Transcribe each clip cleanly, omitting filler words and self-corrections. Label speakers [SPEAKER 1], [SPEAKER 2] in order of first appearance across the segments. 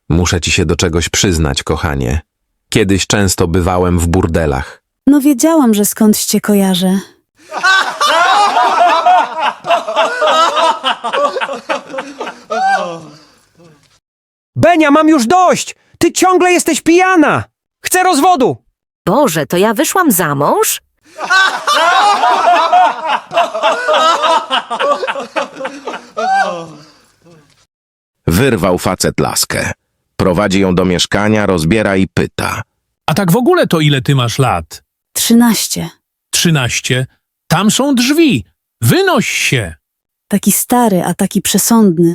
[SPEAKER 1] Muszę ci się do czegoś przyznać, kochanie. Kiedyś często bywałem w burdelach.
[SPEAKER 2] No wiedziałam, że skądś cię kojarzę.
[SPEAKER 3] Benia, mam już dość! Ty ciągle jesteś pijana! Chcę rozwodu!
[SPEAKER 4] Boże, to ja wyszłam za mąż?
[SPEAKER 5] Wyrwał facet laskę. Prowadzi ją do mieszkania, rozbiera i pyta.
[SPEAKER 6] A tak w ogóle to ile ty masz lat?
[SPEAKER 2] 13.
[SPEAKER 6] 13. Tam są drzwi. Wynoś się.
[SPEAKER 2] Taki stary, a taki przesądny.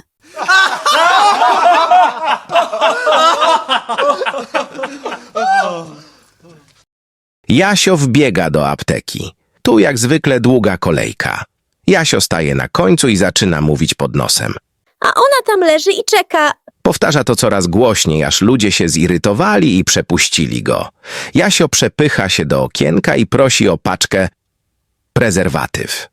[SPEAKER 5] Jasio wbiega do apteki. Tu jak zwykle długa kolejka. Jasio staje na końcu i zaczyna mówić pod nosem.
[SPEAKER 7] A ona tam leży i czeka.
[SPEAKER 5] Powtarza to coraz głośniej, aż ludzie się zirytowali i przepuścili go. Jasio przepycha się do okienka i prosi o paczkę prezerwatyw.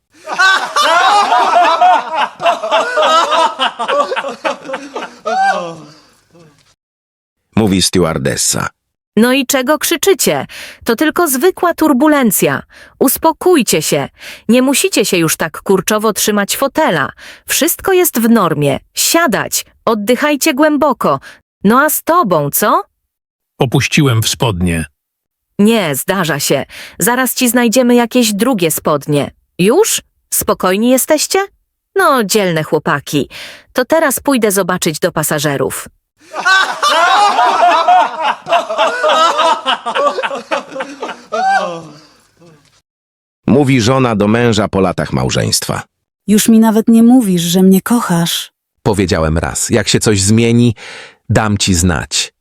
[SPEAKER 5] Mówi stewardessa.
[SPEAKER 4] No i czego krzyczycie? To tylko zwykła turbulencja. Uspokójcie się. Nie musicie się już tak kurczowo trzymać fotela. Wszystko jest w normie. Siadać. Oddychajcie głęboko. No a z tobą, co?
[SPEAKER 6] Popuściłem w spodnie.
[SPEAKER 4] Nie, zdarza się. Zaraz ci znajdziemy jakieś drugie spodnie. Już? Spokojni jesteście? No, dzielne chłopaki. To teraz pójdę zobaczyć do pasażerów.
[SPEAKER 5] Mówi żona do męża po latach małżeństwa.
[SPEAKER 2] Już mi nawet nie mówisz, że mnie kochasz.
[SPEAKER 1] Powiedziałem raz, jak się coś zmieni, dam ci znać.